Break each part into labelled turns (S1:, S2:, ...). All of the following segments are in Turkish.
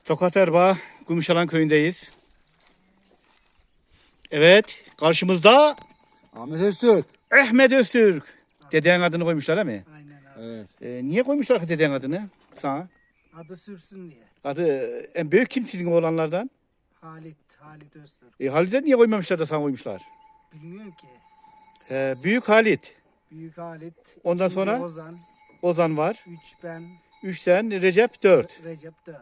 S1: Tokat Erbaa, Gümüşalan köyündeyiz. Evet, karşımızda
S2: Ahmet Öztürk.
S1: Ahmet Öztürk. Dedeğin adını koymuşlar değil mi?
S3: Aynen abi.
S2: Evet.
S1: Niye koymuşlar ki dedeğin adını sana?
S3: Adı sürsün diye.
S1: Adı en büyük kim sizin oğlanlardan?
S3: Halit Öztürk.
S1: Halit'e niye koymamışlar da sana koymuşlar?
S3: Bilmiyorum ki.
S1: Büyük Halit.
S3: Büyük Halit.
S1: Ondan
S3: ikinci
S1: sonra?
S3: Ozan.
S1: Ozan var.
S3: 3 ben.
S1: 3 sen, Recep 4.
S3: Recep 4.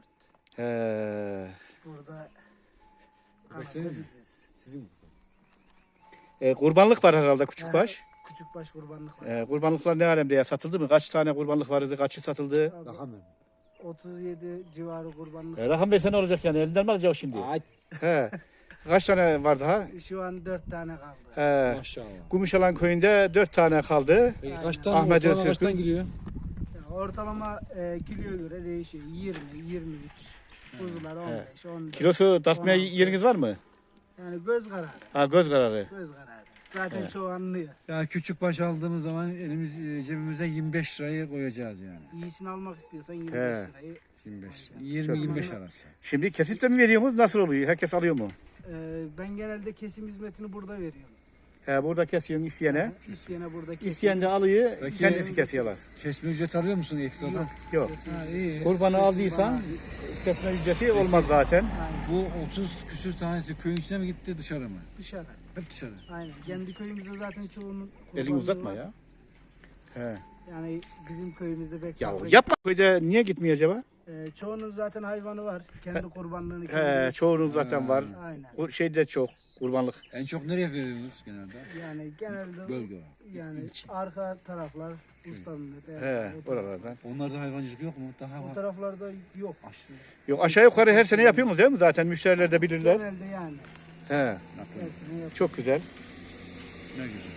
S3: Burada
S2: senin
S3: Anadolu
S2: mi?
S3: biziz.
S2: Sizin.
S1: Kurbanlık var herhalde küçükbaş.
S3: Küçükbaş kurbanlık var.
S1: Kurbanlıklar ne alemde ya? Satıldı mı? Kaç tane kurbanlık vardı? Kaçı satıldı?
S3: Abi,
S2: Rakam ver.
S3: 37 civarı kurbanlık.
S1: Rakam versen ne olacak yani? Elinden mi alacak şimdi?
S2: Ay
S1: He. Kaç tane var daha?
S3: Şu an 4 tane kaldı.
S2: maşallah.
S1: Gümüşalan köyünde 4 tane kaldı.
S2: Peki
S3: Aynen.
S2: kaç tane
S1: Ahmet
S2: ortalama
S1: Öztürk'ün-
S2: kaçtan giriyor?
S3: Ya ortalama kiloya göre değişiyor. 20, 23. Kuzular 15, 14.
S1: Kilosu tartmaya
S3: 16.
S1: yeriniz var mı?
S3: Yani göz kararı.
S1: Ha, göz kararı.
S3: Göz kararı. Zaten çoğu anlıyor.
S4: Ya küçük baş aldığımız zaman cebimize 25 lirayı koyacağız yani.
S3: İyisini almak istiyorsan 25
S1: He.
S3: lirayı.
S4: 25, 20-25 arası.
S1: Şimdi kesiple mi veriyorsunuz? Nasıl oluyor? Herkes alıyor mu?
S3: Ben genelde kesim hizmetini burada veriyorum.
S1: Burada kesiyorsun isteyene.
S3: İsteyene burada kesim.
S1: İsteyen de alıyor,
S4: Peki-
S1: kendisi kesiyorlar.
S4: Kesme ücret alıyor musun ekstradan?
S1: Yok.
S4: Ha, iyi.
S1: Kurbanı aldıysan kesme ücreti olmaz zaten.
S4: Bu 30 küsür tanesi köyün içine mi gitti dışarı mı?
S3: Dışarı.
S4: Hep dışarı.
S3: Aynen. Kendi köyümüzde zaten çoğunun
S1: Elini
S3: kurbanlığı
S1: uzatma
S3: var.
S1: ya. He.
S3: Yani bizim köyümüzde pek
S1: Ya
S3: fazla.
S1: yapma. Köyde niye gitmiyor acaba?
S3: Çoğunun zaten hayvanı var. Kendi kurbanlığını kendi
S1: Çoğunun zaten var.
S3: Aynen.
S1: O şeyde çok kurbanlık.
S4: En çok nereye veriyorsunuz genelde?
S3: Yani genelde
S4: Bölge olarak.
S3: yani arka taraflar ustanın.
S1: Oralardan.
S4: Onlarda hayvancılık yok mu? Daha
S3: O
S4: var.
S3: taraflarda yok.
S1: Yok aşağı yukarı her sene yapıyorsunuz değil mi? Zaten müşteriler de bilirler.
S3: Genelde yani.
S1: He.
S3: Her sene yok.
S1: Çok güzel.
S4: Ne güzel.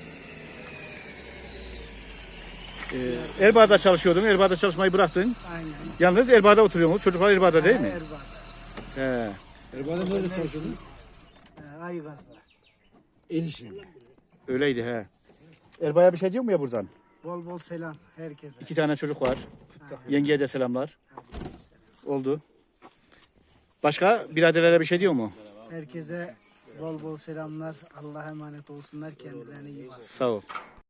S1: Erbaa'da çalışıyordum. Erbaa'da çalışmayı bıraktın.
S3: Aynen.
S1: Yalnız Erbaa'da oturuyorsunuz. Çocuklar Erbaa'da değil mi?
S3: Erbaa.
S1: He.
S4: Erbaa'da nerede çalışıyordun?
S3: Aygaz'da.
S4: El işinde.
S1: Öyleydi he. Erbaa'ya bir şey diyor mu ya buradan?
S3: Bol bol selam herkese.
S1: 2 tane çocuk var. Yengeye de selamlar. Oldu. Başka biraderlere bir şey diyor mu?
S3: Herkese bol bol selamlar. Allah'a emanet olsunlar. Kendilerine iyi bakın.
S1: Sağ ol.